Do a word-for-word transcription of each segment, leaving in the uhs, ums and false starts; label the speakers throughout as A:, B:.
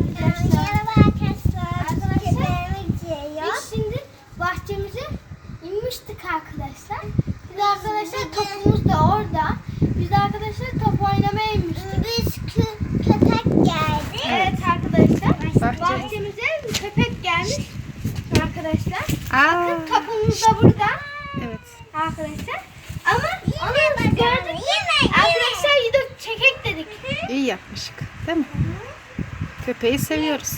A: arkadaşlar.
B: Merhaba arkadaşlar.
A: Arkadaşlar,
B: Biz
A: Biz şimdi bahçemize inmiştik arkadaşlar. Biz arkadaşlar topumuz da orada. Biz arkadaşlar top oynamaya inmiştik.
B: Biz kö köpek geldi.
A: Evet arkadaşlar.
C: Bahçe.
A: Bahçemize bir köpek gelmiş arkadaşlar.
C: Aa,
A: Bakın topumuz da burada
C: evet.
A: arkadaşlar. Ama onu biz gördük. Arkadaşlar gidip çekek dedik.
C: İyi yapmışık. Değil mi? Köpeği seviyoruz.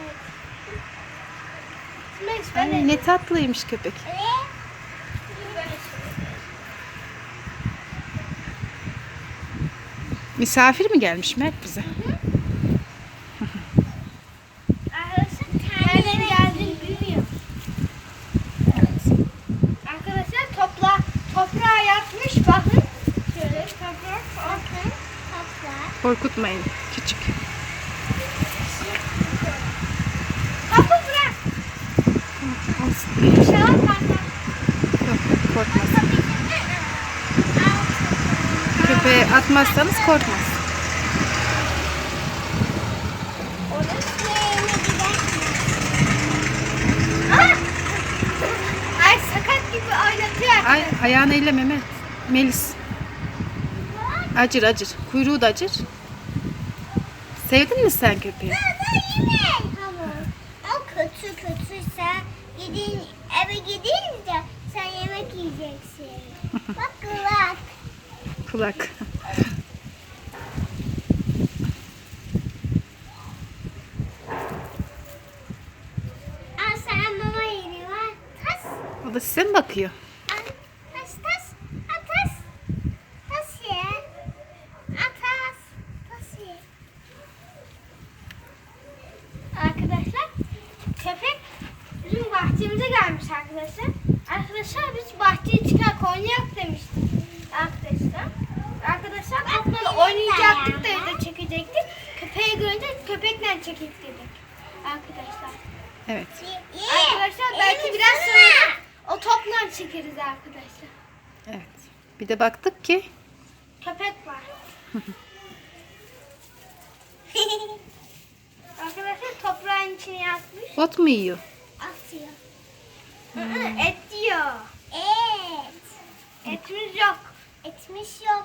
A: Ben
C: Ay, ne tatlıymış köpek. Misafir mi gelmiş Mert bize?
A: Arkadaşlar nereden geldiğini bilmiyorum. Arkadaşlar topla toprağa yatmış bakın. Şöyle toprak.
B: Bakın toplar.
C: Korkutmayın. Küçük.
A: Topu bırak.
C: Olsun.
A: İnşallah kalkar.
C: Yok, korkmaz. Köpeğe atmazsanız korkmaz.
A: Ay sakat gibi oynatıyor.
C: Ay, ayağını elleme Mert. Melis. Acır acır. Kuyruğu da acır. Sevdin mi sen köpeği?
B: O kötü kötüyse gidin eve gidince sen yemek yiyeceksin. Bak kulak.
C: Kulak.
B: Al sana mama yeri var. Tas.
C: O da size mi bakıyor?
B: Al. Tas tas. Al tas. Tas ye. Al tas. Tas ye.
A: Arkadaşlar köpek bizim bahçemize gelmiş arkadaşlar. Arkadaşlar biz bahçeye çıkar oynayak demiştik. Arkadaşlar. Arkadaşlar topla oynayacaktık da evde çekecektik. Köpeği görünce köpekle çekecek dedik. Arkadaşlar.
C: Evet.
B: Ye.
A: Arkadaşlar belki
B: Elini
A: biraz
B: ısırma.
A: sonra o topla çekeriz arkadaşlar.
C: Evet. Bir de baktık ki
A: Köpek var. Arkadaşlar toprağın içine yatmış.
C: ot mu yiyor?
B: Atıyor.
A: Hı, Et diyor.
B: Et.
A: Etimiz yok.
B: Etmiş yok.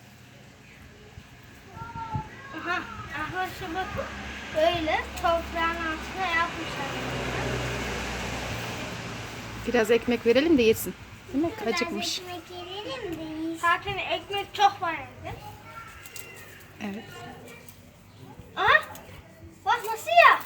A: Aha, arkadaşlar bakın. Böyle toprağın altına yapmışlar.
C: Biraz ekmek verelim de yesin. Değil mi?
B: Biraz
C: Acıkmış.
B: ekmek yiyelim de yiyin.
A: Zaten ekmek çok var evde.
C: Evet.
A: Aha, bak nasıl ya?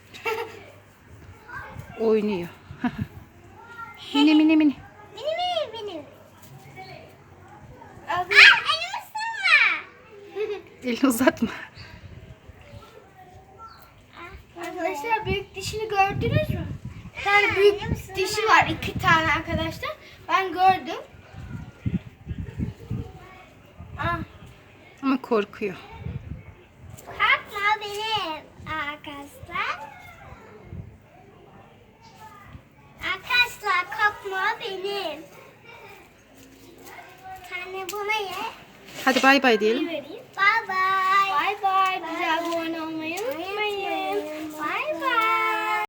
C: Oynuyor. Mini mini mini.
B: Benim benim benim.
A: Arkadaşlar-
B: Ah elimi ısırma.
C: Elini uzatma.
A: Arkadaşlar büyük dişini gördünüz mü? Bir tane büyük dişi var, iki tane arkadaşlar. Ben gördüm. Ah,
C: Ama korkuyor.
B: Korkma benim arkadaşlar. Arkadaşlar korkma benim. Bir tane buna ye.
C: Hadi bay bay
A: bir
C: diyelim.
A: vereyim.